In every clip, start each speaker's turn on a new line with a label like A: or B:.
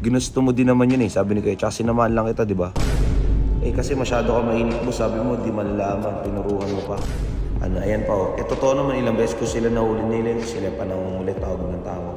A: Ginusto mo din naman yun eh, sabi ni Kuya. Tsaka sinamahan lang kita, di ba? Eh kasi masyado ka mainit mo, sabi mo, di malalaman, tinuruhan mo pa. Ano, ayan pa oh. Eh totoo naman, ilang beses ko sila nahuli nila, sila pa nangungulit, tawag ng tawag.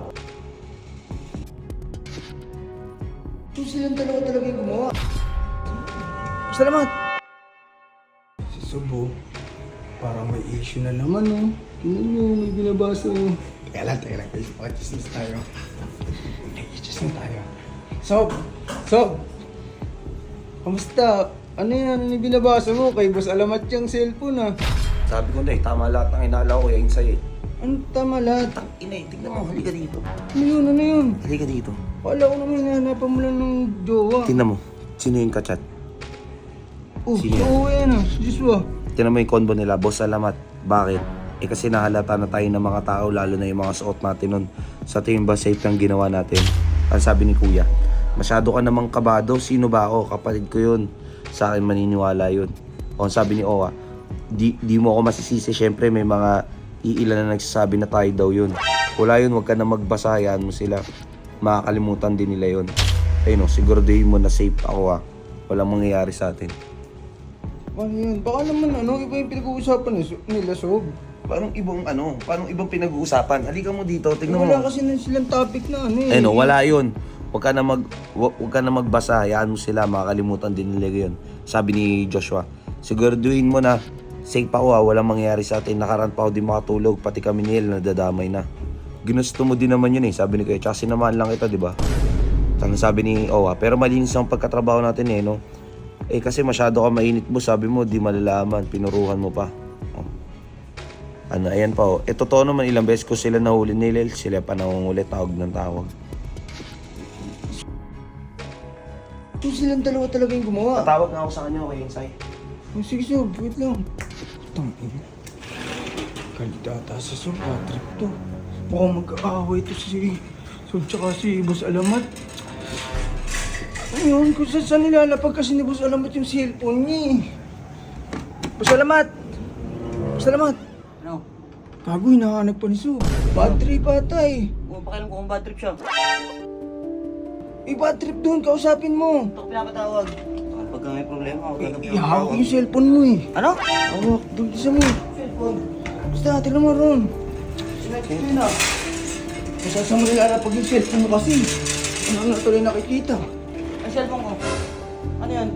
B: Ito silang dalawa talaga yung gumawa. Salamat! Si Subo, parang may issue na naman oh. Tingnan nyo, may binabasa oh. Teka lang, pakichismis tayo. Pakichismis tayo. Sob! Kamusta? Ano yan? Ano yung binabasa mo? Kay Boss Alamat yung cellphone ah.
A: Sabi ko na eh, tama lahat ng inaalaw ko, yain sa'yo eh.
B: Ano tama lahat?
A: Ina eh, tignan mo, halika dito.
B: Ano yun? Ano yun?
A: Halika dito.
B: Kala ko naman hinahanapan mo lang ng jowa.
A: Tignan mo, sino yung kachat?
B: Oh,
A: Sino yan?
B: oo yan ah. Si Joshua.
A: Tignan mo yung combo nila, Boss Alamat. Bakit? Eh kasi nahalata na tayo ng mga tao, lalo na yung mga suot natin nun. Sa tingin ba safe ang ginawa natin? Ang sabi ni Kuya, masyado ka namang kabado, sino ba ako? Kapatid ko yun. Sa akin maniniwala yun. O ang sabi ni Owa, di mo ako masisisi, syempre may mga iilan na nagsasabi na tayo daw yun. Wala yun, wag ka na magbasa, hayaan mo sila. Makakalimutan din nila yun. Ayun o, siguraduhin mo na safe ako ha. Walang mangyayari sa atin.
B: Ano yun? Baka naman iba yung pinag-uusapan nila, Sob.
A: Parang ibang pinag-uusapan. Halika mo dito, tingnan mo.
B: Wala kasi na silang topic na eh.
A: Ayun o, wala yun. Huwag ka na magbasa, hayaan mo sila, makakalimutan din nila yun. Sabi ni Joshua, siguraduhin mo na safe ako ha, walang mangyayari sa atin. Nakaraan pa ako di makatulog, pati kami ni El nadadamay na. Ginusto mo din naman yun eh, sabi ni Kuya. Tsaka sinamahan lang kita, di ba? Tsaka sabi ni Owa, pero malinis ang pagkatrabaho natin eh, no? Eh kasi masyado ka mainit mo, sabi mo, di malalaman, pinuruhan mo pa. Oh. Ano, ayan pa oh. Eh totoo naman, ilang beses ko sila nahuli nila, sila pa nangungulit, tawag ng tawag.
B: Ito silang dalawa talaga yung gumawa.
A: Tatawag nga ako sa kanya, okay, Insay?
B: Oh, sige, Sob. Wait lang. Tangin. Kandidata sa Sob. Trip to. Mukhang mag-aaway to si Sob tsaka si Boss Alamat. Ayun, kung saan nilalapag kasi ni Boss Alamat yung cellphone niya eh. Boss Alamat! Boss Alamat!
C: Ano?
B: Gago, hinahanap pa ni Sob. Bad trip ata eh.
C: Kung pakialam ko kung bad trip siya.
B: Eh, bad trip doon. Kausapin mo.
C: Ito ko pinapatawag. Pagka may problema ako,
B: Ihawak yung cellphone mo eh.
C: Ano?
B: Hawak, doon isa mo.
C: Cellphone.
B: Basta, tignan mo ron.
C: Ito yun ah.
B: Masasama nilalapag yung cellphone mo kasi. Ano na tuloy nakikita.
C: Ang cellphone ko. Ano yan?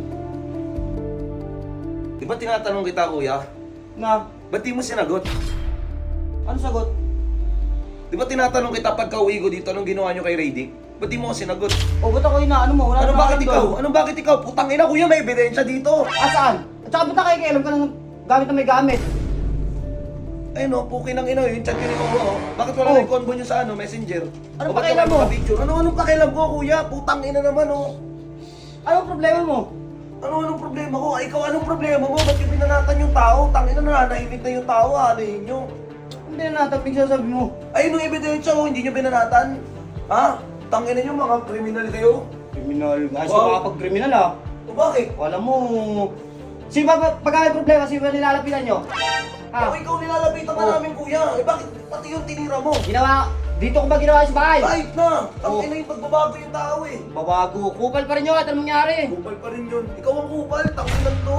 A: Di ba tinatanong kita, Kuya?
C: Na?
A: Ba't di mo sinagot?
C: Ano sagot?
A: Di ba tinatanong kita pagka uwi ko dito, anong ginawa nyo kay Radic? Ba't di mo ako sinagot?
C: O, ba't ako inaano mo? Wala
A: Ano
C: namang
A: bakit
C: alam
A: ikaw?
C: doon.
A: Anong bakit ikaw? Putang ina, Kuya, may ebidensya dito.
C: Saan? At saka ba't nakikialam ka ng gamit na may gamit?
A: Ay no, pukin ang ina yung chat yun ikaw mo. Bakit wala
C: Oh.
A: na yung convo nyo sa messenger?
C: Anong
A: O ba't
C: pakialam
A: wala
C: mo?
A: mga picture? Anong pakialam ko, Kuya? Putang ina naman oh.
C: Anong problema mo?
A: Anong problema ko? Ay, ikaw anong problema mo? Ba't yung binanatan yung tao? Tangina na, nanahimik na yung tao, anahin nyo.
C: Hindi na natapig sasabi mo.
A: Ay, nung ebidensya ko, hindi nyo binanatan. Ha? Tangina nyo, mga kriminal kayo.
C: Kriminal. Ayos
A: Wow.
C: ka makapag-kriminal ah.
A: O bakit?
C: Alam mo... Sino ba pagka may problema, sino ba nilalapitan nyo?
A: O ikaw nilalapitan ka
C: Oh.
A: namin, Kuya. Eh bakit pati yung tinira mo?
C: Ginawa... Dito ko ba ginawa sa bahay?
A: Kahit na! Ang
C: Oh.
A: ina yung pagbabago yung tao eh.
C: Babago. Kupal pa rin yun at anong nangyari?
A: Kupal pa rin yun. Ikaw ang kupal, tanginan to.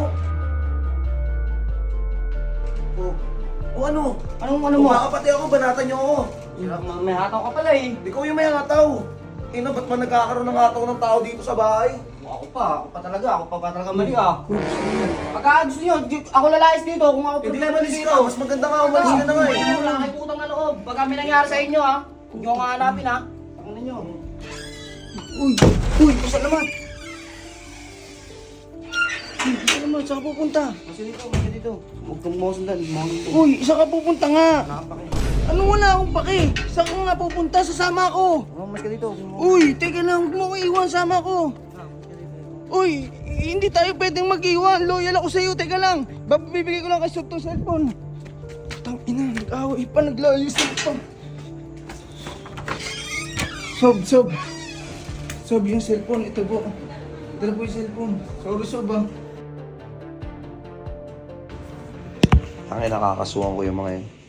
C: Oh.
A: O ano?
C: Anong ano mo?
A: Kumakapati ako, banatan niyo ako.
C: May hataw ka pala eh.
A: Ikaw yung may hataw. Ina, ba't man nagkakaroon ng hataw ng tao dito sa bahay?
C: Ako pa talaga. Ako pa talaga mali ah. Pagka gusto nyo, ako lalayas dito kung ako
A: Hindi
C: problema
A: naman
C: dito.
A: ikaw, mas maganda nga umalis ka na nga eh.
C: Wala kayo putang na loob. Pagka may nangyari sa inyo ah. Huwag nyo nga hanapin ah. Ano nyo?
B: Uy, pasalamat! Uy, pasalamat, saan ka pupunta?
C: Kasi dito. Huwag kang mawasundan.
B: Uy, saan ka pupunta nga?
C: Nakapake.
B: Ano wala akong pake? Saan ka nga pupunta? Sasama ako!
C: Mas ka dito.
B: Uy, teka lang, huwag mo iwan, sama ko! Uy, hindi tayo pwedeng mag-iwan. Loyal ako sa'yo, teka lang. Bibigay ko lang kay Sob tong cellphone. Tangina, nag-away pa, naglayos na pa. Sob. Sob, yung cellphone, ito po. Ito na po yung cellphone. Sorry, Sob ah.
A: Tangina, nakakasuhan ko yung mga yun.